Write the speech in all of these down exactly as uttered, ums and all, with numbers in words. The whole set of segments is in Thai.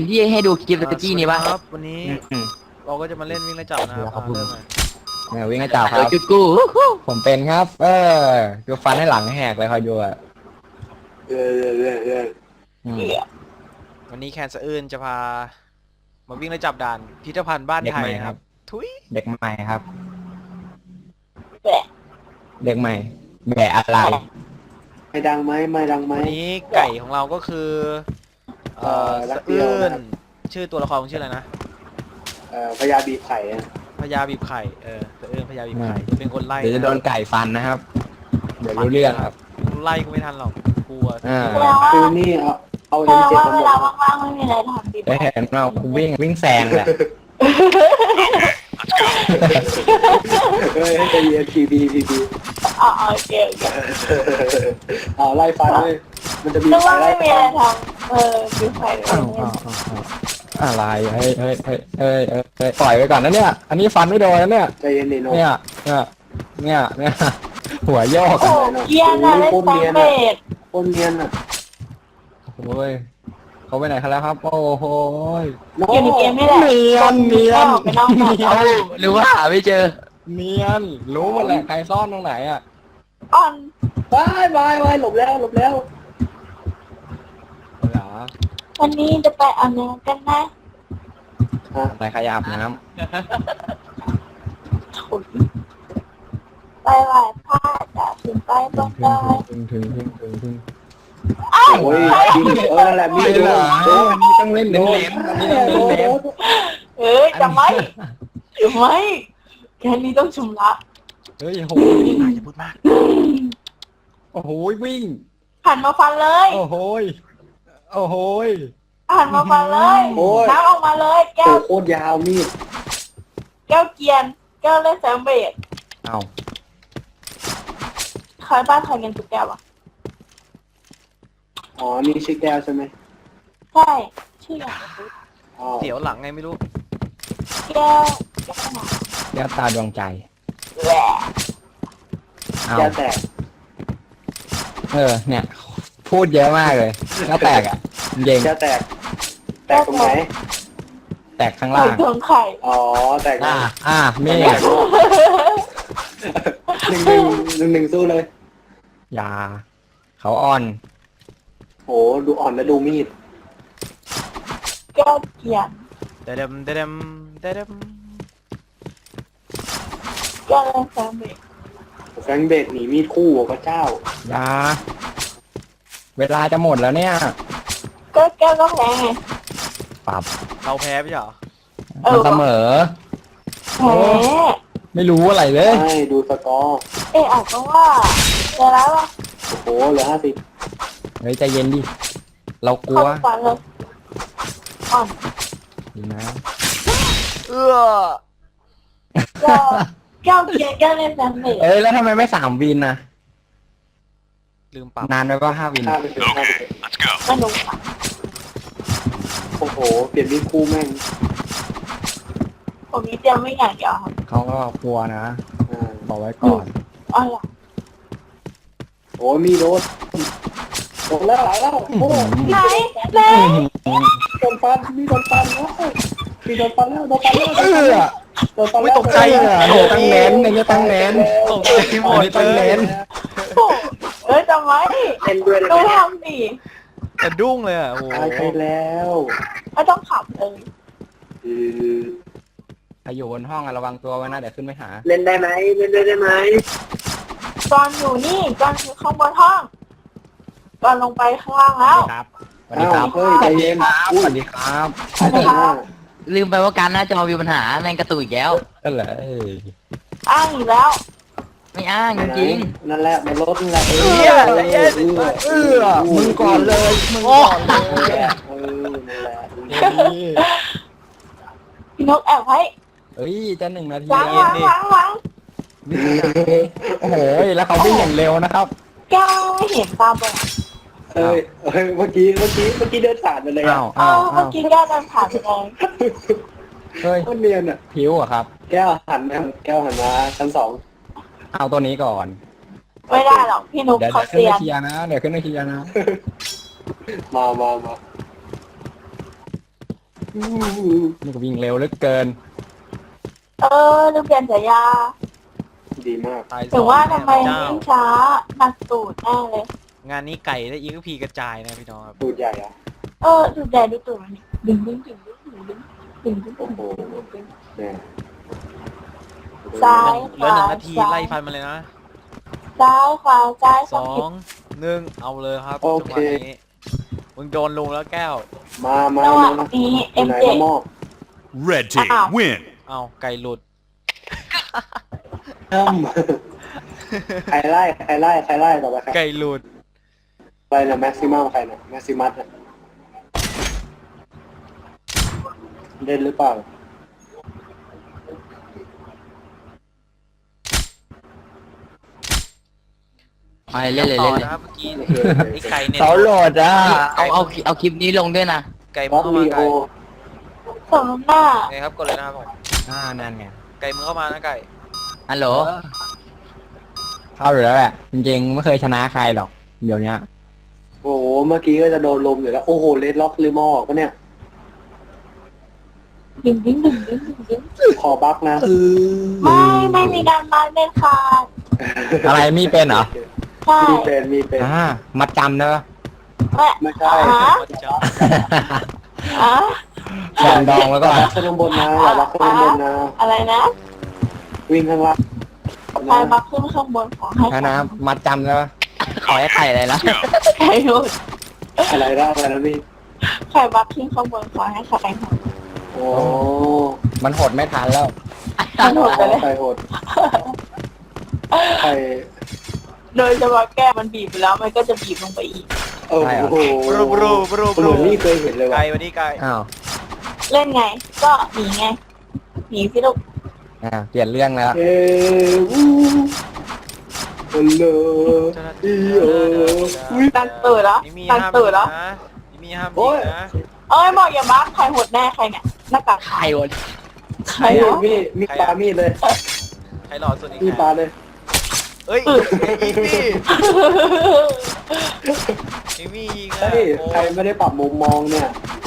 นที่ให้ดูคลิปตะกี้นี่ปะครับวันนี้เราก็จะมาเล่นวิ่งไล่จับนะครับเริ่มเลยเนี่ยวิ่งกระจับคเดี๋ยรัวบจุดกูผมเป็นครับ เออดูฟันให้หลังแหกเลยคอยดูอ่ะเออเออเออเอออืมวันนี้แคนสะอื้นจะพามาวิ่งไล่จับด่านพิพิธภัณฑ์บ้านเด็กไทใหยม่คครัรับบ ทุยเด็กใหม่ครับแบะเด็กใหม่แบะอะไรไม่ดังไหมไม่ดังไหมวันนี้ไก่ของเราก็คือเอ่อเอ่อรัสะกเดียวอื้นนะครับชื่อตัวละครชื่ออะไรนะเอ่อพญาบีบไข่อะพญาบีบไข่เออสะอื้นพญาบีบไข่จะเป็นคนไล่เดี๋ยวจะโดนไก่ฟันนะครับ เดี๋ยวรู้เรื่องครับไล่ก็ไม่ทันหรอกกลัวอ่าแปลว่าคือนี่เอาเอาแปเอ็ลมเจ็ดว่ามาเวหมดลาว่างๆไม่มีอะไรทำดีได้เห็นว่าวิ่งวิ่งแซงแหละเฮ้ยให้ใจเย็นทีบีทีบีอ๋อโอเคโอเคเอาไล่ฟันเลยมันจะบีบนึกไข่ว่าไล่ไม่มีฟัอะไรนทำเออดูใครอ้าวอ้าวอ้าวอ้าวอะไรเฮ้ยเฮ้ยเฮ้ยเฮ้ยเฮ้ยเฮ้ยปล่อยไปก่อนนะเนี่ย อันนี้ฟันไม่โดนนะเนี่ยใจเย็นดิโนเนี่ยเนี่ยเนี่ยเนี่ยหัวโยกโอ้อะเกียร์น่ะเล่นแซงเบดคนเนียนอ่ะโอ้ยเขาไปไหนกันแล้วครับ โอ้โหยโนอยู่ในเกมนี่แหละเนียนเนียนไปนอกหมดเอ้าหรือว่าหาไม่เจอเนียนรู้หมดแหละใครซ่อนตรงไหนอ่ะอ่อนวายวายวายหลบแล้วหลบแล้วเหรอวันนี้จะไปเอาเนื้อกันนะฮะอะไรขยับน้ถุนไปไหว้พระจะถึงไปบนดอยำถึงถึงถึงถึงถึงอ้าวโอ้ยยิงเออนั่นแหละมีไม่ดเหรอโดนอันนี้ต้องเล่นเน้นๆอันนี้ต้องเน้นเน้นเอ้ยจะไม่จะไม่แค่นี้ต้องชำระเฮ้ยโหอย่าพูดมากโอ้โหวิ่งหันมาฟันเลยโอ้โหยโอ้โหยหันมาฟันเลยน้ำออกมาเลยแก้โอ้วโคตรยาวมีดแก้วเกียนแก้วเล่นแซงเบดเอาใครบ้านใครเงินทุกแก้วอ่ะอ๋อนี่ชื่อแก้วใช่ไหมใช่ชื่ออย่างอ๋อเดี๋ยวหลังไงไม่รู้แก้วแก้วหนาแก้วตาดวงใจแหวะเอาแก้วแตกเออเนี่ยพูดเยอะมากเลยแล้วแตกอ่ะเย็งแก้วแตก แตกตรงไหนแตกข้างไข่ล่างเครื่องไข่อ๋อแตกอ่านะอ่าเมฆหนึ่งหนึ่งหนึ่งหนึ่งสู้เลยยาเขาอ่อนโหดูอ่อนแล้วดูมีดแก้วเกียนเดดมเดดมเดดมแก้วเล่นแซงเบดแฟรงค์เบดหนีมีดคู่โอ้พระเจ้ายาเวลาจะหมดแล้วเนี่ยก็แก้วก็แพ้ไงปรับเราแพ้ไม่ใช่เหรอเอมันอเสมอแพ้ไม่รู้อะไรเลยใช่ดูสกอร์เอ๊ะอาจจะว่าเจอแล้วว่ะโอ้โหเหลือห้าสิบเฮ้ยใจเย็นดิ เรากลัวเข้าฝันเลยอ่อนดีนะเอื้อแก้วแก้วเกียนแก้วเล่นแซงเบดเอ้ยแล้วทำไมไม่สามวินนะลืมปรับนานไปว่าห้าวินห้าไปเถอะห้าไปเถอะไม่รู้ค่ะโอ้โหเปลี่ยนมีดคู่แม่งผมมีเตรียมไม่อย่างเดียวครับเขาก็กลัวนะอ่าบอกไว้ก่อนอ๋อเหรอโอ้ยมีโดนโดนแล้วหลายแล้วโอ้โหไหนไหนโดนฟันมีโดนฟันแล้วมีโดนฟันแล้วโดนฟันแล้วเออโดนฟันไม่แล้วตกใจเออเนี่ยตั้งเน้นเนี่ยตั้งเน้นตกใจหมดอันนี้ต้องเลเน้ยนโอ้เอ้ยจำไว้เล่นด้วยดูเลยทำดิแต่ดุ้งเลยอ่ะโอ้โหตายไปแล้วไม่ต้องขับเลยอือใครอยู่บนห้องอะระวังตัวไว้นะเดี๋ยวขึ้นไปหาเล่นได้ไหมเล่นได้ไหมจอนอยู่นี่จอนอยู่ข้างบนห้องจอนลงไปข้างล่างแล้วสวัสดีครับเฮ้ยใจเย็นสวัสดีครับสวัสดีครับลืมไปว่าการหน้าจอมีปัญหาแม่งกระตุกอีกแล้วก็เลยเอ้ยอ้างอีกแล้วไม่อ้างจริงนั่นแหละมันลดนั่นแหละเฮียใจเย็นเออมึงก่อนเลยมึงก่อนเลยเออนั่นแหละพี่นกแอบไว้เอ้ยจะหนึ่งนาทีล้างแล้วล้างล้างล้างโอ้โหแล้วเขาวิ่งอย่างเร็วนะครับแก้วไม่เห็นตาบอดเอ้ยเอ้ยเมื่อกี้เมื่อกี้เมื่อกี้เดินผ่านไปเลยอ้าอ่ะวเออ้าวอเมื่อ้าอวกี้แก้วเดินผ่านไปเลยเฮ้ยคนเนียนอ่ะผิวอะครับแก้วหันมาแก้วหันมาชั้นสองเอาตัวนี้ก่อนไม่ได้หรอกพี่นุ๊กเดี๋ยวเขาเดี๋ยวขึ้นเซียไปนเคลียร์นะเดี๋ยวขึ้นไปเคลียร์นะมามามานี่ก็วิ่งเร็วเหลือเกินเออลืมเปลี่ยนฉายาดีมากตายสถึองงว่าแม่ทำไมพระเจ้าวิ่งช้าหนักตูดแน่เลยงานนี้ไก่และอีกพีกระจายนะพี่น้องครับตูดใหญ่อะเออดูแดดดูตูดมันดึงดึงดึงดึงดึงดึงดึงดึงดึงดึงดึงเนี่ยซ้ายเหลือหนึ่งนาทีไล่ฟันมาเลยนะซ้ายขวาซ้ายสองหนึ่งเอาเลยครับโอจังหเควะนี้มึงโดนลุงแล้วแก้วมามาจังหวะมานี้อเอ็ยู่มไหนเจละหมอก Red team Ow. win. เอาไก่หลุดเอิ่มใครไล่ใครไล่ใครไล่ต่อไปใครไก่หลุดใครนะแม็กซิมัมใครนะแม็กซิมัสเล่นหรือเปล่าไปเล่นเลยต่เล่อนเลยนะครับเมื่อกี้ไอ้ไก่เนี่ยเสาโหลดอ่ะเอาเอาเอาคลิปนี้ลงด้วยนะไก่บมึอง สเข้ามีมาโอไก่ส่งหน้าไงครับกดเลยนะครับผมอ่านั่นไงไก่มึงเข้ามานะไก่ฮัลโหลเข้าอยู่แล้วแหละ จริงๆไม่เคยชนะใครหรอก เดี๋ยวนี้โอ้โหเมื่อกี้ก็จะโดนลมอยู่แล้วโอ้โหเลดล็อกลืมเอาออกปะเนี่ยดึงดึงดึงดึงดึงดึงขอบักนะไม่ไม่มีการมาเด็ดขาดอะไรมีเป็นเหรอใช่มีเป็นมีเป็นอ่ามัดจำเนอะแม่ไม่ใช่อ่ะวัดเจ้าอ่ะแขนดองแล้วก็อย่ารักขึ้นข้างบนนะอย่ารักขึ้นข้างบนนะอะไรนะวิ่งข้างล่างใครมาขึ้นข้างบนของให้ถ้านะมัดจำแล้วขอให้ไข่อะไรละใครรู้อะไรนะอะไรนะพี่ใครมาขึ้นข้างบนขอให้ใครหดโอ้มันหดไม่ทันแล้วมันหดไปเลยใครโหดใครโดยเฉพาะแก้มันบีบไปแล้วมันก็จะบีบลงไปอีกโอ้โหบรูบรูบรูบเหรูมือนนี่เคยเห็นเลยว่ะไก่วันนี้ไก่อ้าวเล่นไง ก็หนีไงหนีสิลูกอ่าเปลี่ยนเรื่องแล้วเอ้วูฮัลโหลอีโอวิตังตื่นแล้วมีมีตังห้ามตื่นแล้วนะมีมีห้ามโอ้ยิยงนะเอ้ยบอกอย่าบักใครหดแน่ใครเนี่ยหน้ากากไข่วะใครมีวะมีมีปลามีดเลยใครหล่อสุดอีกมีปลานะเลยเอ้ยไอ้อีมี่ไอ้มี่ยิงอ่ะเฮ้ยโอ้ใครไม่ได้ปรับมุมมองเนี่ย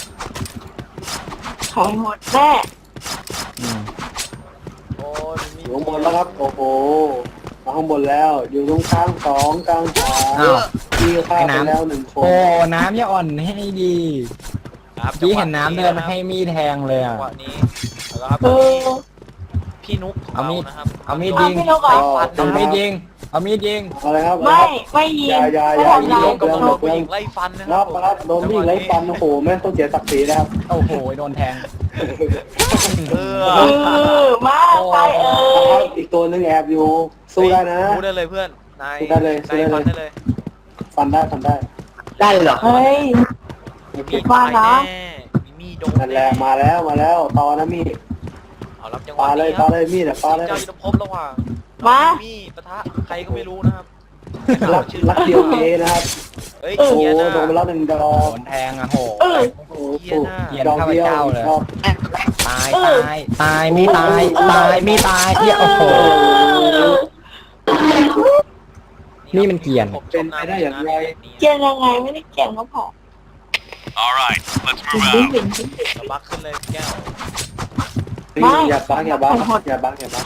ใครหดแน่อืมโอ้ยมีอยู่ข้างบนแล้วครับ โอ้โหมาข้างบนแล้ว อยู่ตรงกลางสองกลางสามอ้าวมีข้าวไปแล้วหนึ่งคนโอ้ น้ำอย่าอ่อนให้ดีครับพี่เห็นน้ำเดินมาให้มีดแทงเลยจัอ่ะงหวะนี้แล้วครับเออพี่นุ๊กของเอามีเราดนะครับเอามีดเอายิงพี่นกเหรอเอามีดยิง เอามีดยิงอะไรครับไม่ไม่ยิงอย่าอย่าไม่อย่าทำร้ายลงกับนโดกนผู้หญิงไล่ฟันนะครัรับบ รับโดนวิ่งไล่ฟันโอ้โหแม่งต้องเสียศักดิ์ศรีนะครับโอ้โห โดนแทงเอเอออมาใครเอ่นะครับยอีกตัวหนึงแอบอยู่สู้ได้นะสู้ได้เลยเพื่อนนายสู้ได้เลยสู้นายได้เลยฟันได้เลยฟันได้ฟันได้ได้เหรอเฮ้ยมีว่านะแน่มีมีโดนนั่นแหละมาแล้วมาแล้วต่อนะมีดเอารับจังหปาวะเลยนี้คปารับเลยมีดอะปาเลยเจ้ายุทธภพระหว่างมามีปะทะใครก็ไม่รู้นะครับรักรักเดียวเกนะครับเฮ้ยโอ้โหเกียร์หน้าโดนไปแล้วหนึ่งดอโดกนแทงอ่ะโหเออโอ้โหเกียร์หน้าเกียร์ดอกเดียวข้าพเจ้าเลยดอกตาย ตาย ตาย มีตาย ตาย มีตายเหี้ยโอ้โห นี่มันเกียร์ผมชเป็นมไปได้อย่างไรเกลียนยังไงไม่ได้เกลียนก็พอ All right, let's ดึง move ดึง out. ดึงดึงดึงสบักขึ้นเลยแก้วไม่อย่าบักอย่าบักไม่หดอย่าบักอย่าบัก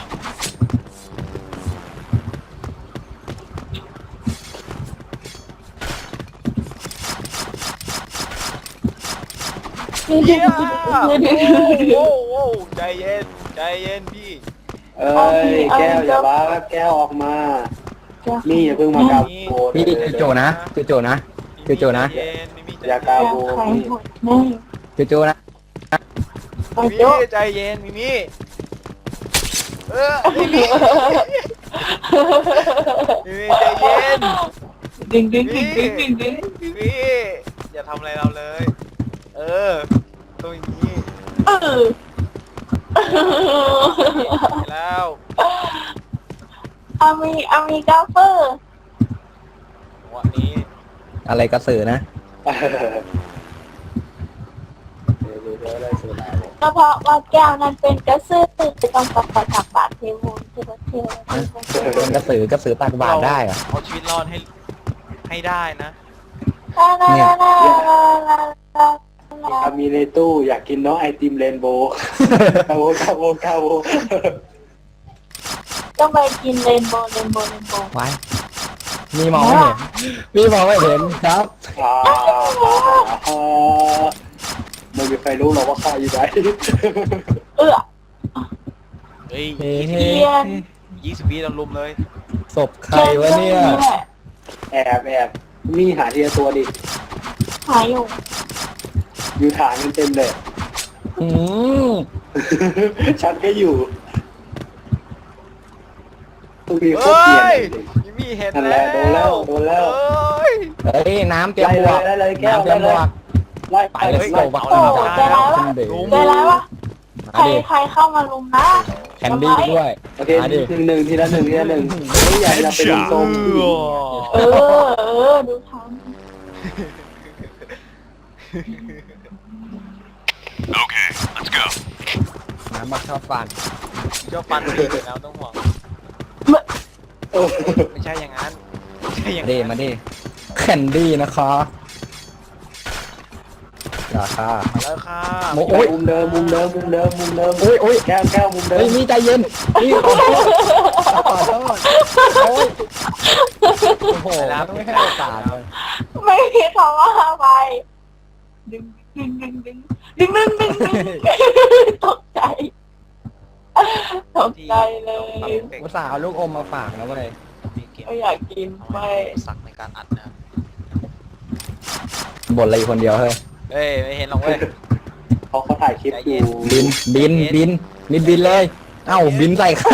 ดึงเกีดึยงร์ดึงดึงดึงโอ้โหใจเย็นใจเย็นพี่เอ้ยแก้วอย่าบักแก้วออกมานี่อย่าเพิ่งมากาโบพี่คือโจนะคือโจนะ เดี๋ยวโจนะใจเย็นมิมี่ใจอย่ากาเย็นโบใครนี่หดแน่คือโจนะไปมิโจ๊ะมี่ใจเย็นมิมี่เออมิมี่มิมี่ใจเย็นดึงดึงดึงดึงดึงดึงมิมี่อย่าทำอะไรเราเลย เออต้องอย่างนี้เออไปแล้วอามีอามีกาเฟอร์วันนี้อะไรกระสือนะก็เพราะว่าแก้วนั้นเป็นกระสือจะต้องประกอบกับบาทเทวูนเทวเทวเป็นกระสือกระสือตักบาตรได้เหรอเอาชีวิตรอดให้ให้ได้นะลาลาลาลาลาลาลครับมีในตู้อยากกินน้องไอติมเรนโบว์คาโวคาโวคาโวต้องไปกินเรนโบว์เรนโบว์เรนโบว์ไว้มีมองไม่เห็นมีมองไม่เห็นครับอ่าไม่มีใครรู้หรอกว่าข้าอยู่ไหนเอื้อเฮ้ยเฮ้เทียนยี่สิบวิเราลุมเลยศพใครวะเนี่ยแอบแอบมีหาทีละตัวดิหายอยู่อยู่ฐานกันเต็มเลยอืมฉันก็อยู่ต้องมีโคเฮ้ตรเกลียยดเลยมิมี่เห็นนั่นแหแล้ละโดนแล้ววโดนแล้วเฮ้ยเฮ้ยน้ำเตรียมไล่บเลวย กไล่เลยแก้วน้ำเตรีไล่ยมเลบยวกไล่ไปเลยไล่โซ่บักโอ้ใจร้ายว่ะขึ้นเด็กใจร้ายว่ะมาใครดิใครเข้ามาลุมนะแคนดี้ด้วยโอเคมาดิหนึ่งหนึ่งทีละหนึ่งทีละหนึ่งไม่อยากจะเป็นทรงเออเออดูทัน Okay, let's go. น้ำบักชอบฟันชอบฟันดีอยู่แล้วต้องห่วงโอ้ไม่ใช่อย่างนั้นไม่ใช่อย่างมาดินั้นมาดิแคนดี้นะคะราคามาแล้วค่ะโมโอ้ยมุมเดิมมุมเดิมมุมเดิมมุมเดิมโอ้ยโอ้ยแก้วแก้วมุมเดิเฮ้ยมมีใจเย็นนี่ขอโทษขอโทษโอ้ยโอ้โหไม่ให้โอกาสเลยไม่มีคำว่าไปดึงดึงดึงดึงดึงดึงดึงดึงตกใจตกใจเลยอุตส่าห์เอาลูกอมมาฝากนะเว้ยมีเกมไม่อยากกินเอาไปไว้สักในการอัดนะครับบ่นอะไรอยู่คนเดียวเฮ้ยเฮ้ยไม่เห็นหรอกเว้ยเขาเขาถ่ายคลิปอยู่บินบินบินบินบินเลย เอ้าบินใส่ใคร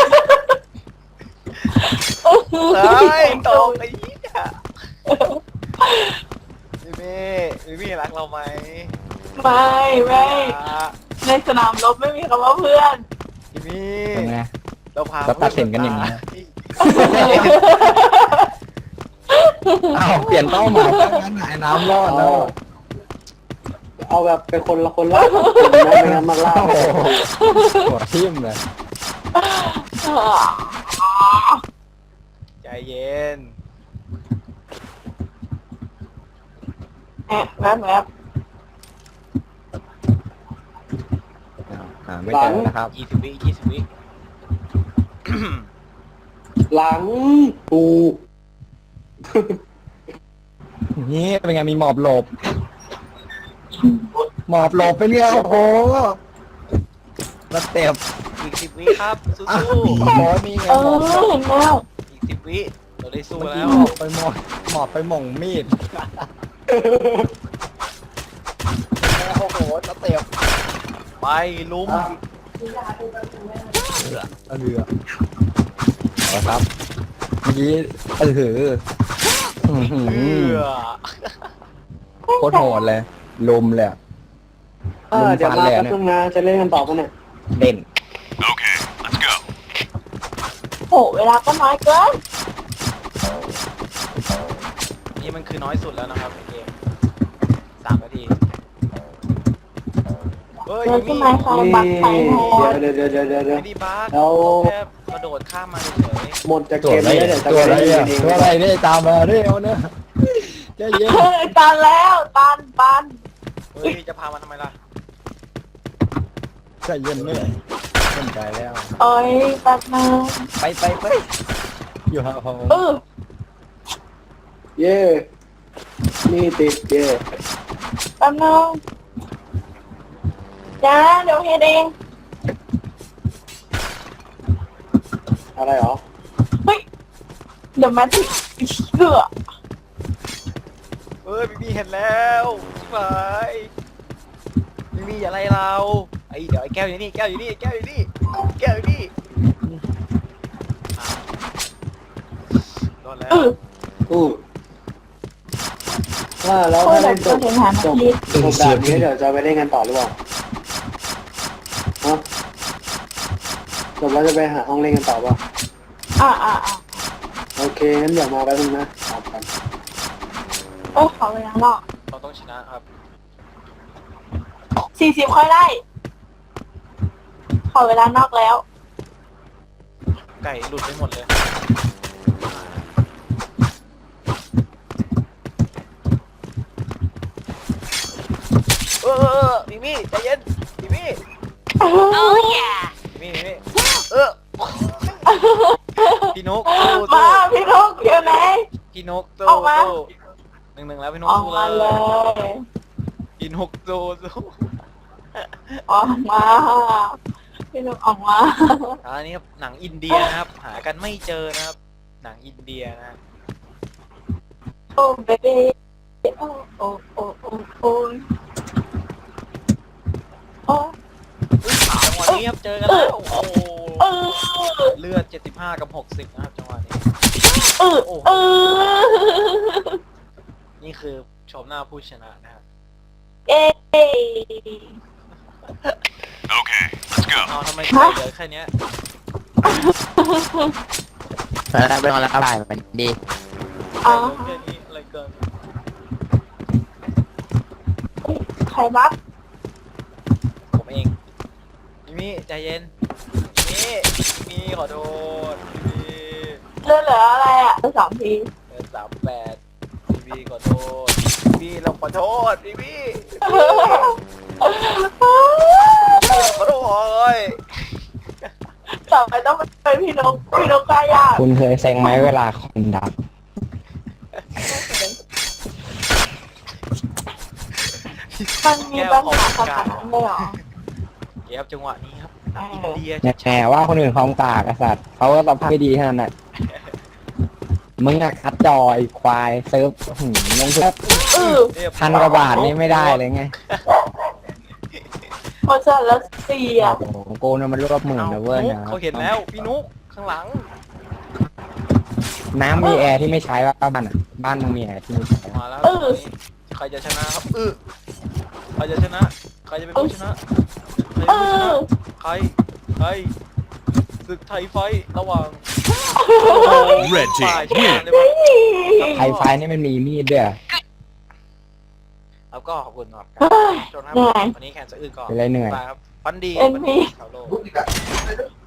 เฮ้ยตกไอ้เหี้ยมิมี่มิมี่รักเราไหมไม่ไม่ในสนามรบไม่มีคำว่าเพื่อนมิมี่เป็นไงเราพาเราตัดสินกันอย่างนี้ เอ้าเปลี่ยนเป้าหมายตั้งงั้นไอ้น้ำรอดแล้วเอาแบบเป็นคนละคนละคนนะไม่งั้นมาล่าโอ้โหหัวทิ่มเลยใจเย็นแอบแวบแวบหาไม่เจอนะครับยี่สิบวิยี่สิบวิหลังปูนี่เป็นไงมีหมอบหลบ หมอบหลบไปเนี่ยโอ้โหแล้วเต็มอีกสิบวิครับสู้อ้าวโอ้โหนี่ไงเอหมออบหลบเห็นแล้วๆอีกสิบวิเราได้สู้เมื่อแล้กี้วหมอบไปหมอบหมอบไปหม่งมีดโอ้โหแล้วเต็มไปลุมเอาเรือเอาครับเมื่อกี้เออหืออื้อหืเอืออโคตรโหดเลยลมเลยอะเออเดี๋ยวมาแป๊บนึงนะจะเล่นกันต่อปะเนี่ยเด่น Okay, let's go. โอ้เวลาก็น้อยเกินนี่มันคือน้อยสุดแล้วนะครับในเกมสามนาทีเฮ้ยเจอมีที่ไม้ใครบักใครโหดเดี๋ยวเดี๋ยวเดี๋ยวเดี๋ยวเดี๋ยวไม่ได้บักเอาแค่กระโดดข้ามมาเฉยหมดจากตัวเกมอะไรนี้เดี๋ยวจะตัวอะไรเล่นอ่ะเองตัวอะไรเนี่ยตามมาเร็วเนี่ยใจเย็นตันแล้วตันตันๆเฮ้ยจะพามาทำไมล่ะใจเย็นเนี่ยเล่นใจแล้วโอ้ยแป๊บนึงไปไปไปอยู่ห่างเออเย่นี่ติดเย่แป๊บนึงจ้าเดี๋ยวเฮ็ดเองอะไรหรอเฮ้ยเดี๋ยวมาที่เสือเฮ้ยมีมีเห็นแล้วไปมีมีอะไรเราไอเดี๋ยวไอแก้วอยู่นี่แก้วอยู่นี่แก้วอยู่นี่แก้วอยู่นี่อ้าวโดนแล้วเอออู้ว่าแล้วโคตถ้ารแบเล่บนจก็บเห็นหาจบทีจบแบบนี้เดี๋ยวจะไปเล่นกันต่อหรือเปล่าฮะจบแล้วจะไปหาห้องเล่นกันต่อเปล่าอ่าอ่าอ่าโอเคงั้นเดี๋ยวมาแป๊บนึงนะตามกันเอ้ยขอเวลานอกเราต้องชนะครับสี่สิบค่อยได้ ขอเวลานอกแล้วไก่หลุดไปหมดเลยเอ้อมิมี่ใจเย็นมิมี่โอ้ยมิมี่มิมี่เออพี่นุกสู้มาสู้พี่ลูกอยู่ไหนพี่นุกสู้ออกมาสู้หนึ่งหนึ่งแล้วพี่นุกออกสู้มาเลเลย ยพี่นุกสู้สู้ออกมาพี่ลูกออกมาอันนี้ครับหนังอินเดียนะครับ หากันไม่เจอนะครับ หนังอินเดียนะโอ้เบบี้โอ้โอ้โอ้โอ้โอ้โอ้จังหวะนี้ครับเจอกันแล้วโอ้โหเออเลือดเจ็ดสิบห้ากับหกสิบนะครับจังหวะนี้เออเออนี่คือชมหน้าผู้ชนะนะครับเอ๊ะ Okay, let's go. เอาทำไมเหลือแค่เนี้ยแล้วไปนอนแล้วอะไรมันดีอ๋อแค่นี้อะไรเกินใครบัฟผมเองมิมี่ใจเย็นมิมี่มิมี่ขอโทษมิมี่เลือดเหลืออะไรอ่ะสองทีเออสามแปดมิมี่ขอโทษมิมี่เราขอโทษมิมี่ขอโทษต่อไปต้องเป็นพี่นกพี่นกกล้ายากคุณเคยเซ็งไหมเวลาคอมดับมันมีปัญหาขนาดนั้นเลยเหรอเก็บจังหวะนี้ครับอินเดียเนี่ยแหมว่าคนอื่นคอมกากไอ้สัตว์เขาก็ตอบไม่ดีเท่านั้นแหละมึงอะคัดจอยควายเซิร์ฟหืมลงเซิร์ฟเออพันกว่าบาทนี่ไม่ได้เลยไงพอเสร็จแล้วเสียโอ้โหโกนมันรวบหมื่นนะเว้ยนุ๊กนะเขาเห็นแล้วพี่นุ๊กข้างหลังน้ำมีแอร์ที่ไม่ใช้ว่าบ้านอ่ะบ้านมึงมีแอร์ที่ไม่ใช้มาแล้วใครจะชนะครับเออใครจะชนะ ใครจะเป็นผู้ชนะใครเอเป็นผู้ชนะอใครใครศึกไทยไฟท์ระหว่าง Red ฝ่าย team ชนะ win. เลยมั้ยไฟไฟนี่มันมีมีดด้วยเหรอแล้วก็ขอบคุณครับเฮ้ยจนครับเหนื่อยวันนี้แข่งสะอื้นก่อนเป็นไรเหนื่อยบายครับฟันดีเอ็นวันพีนี้ชาวโลก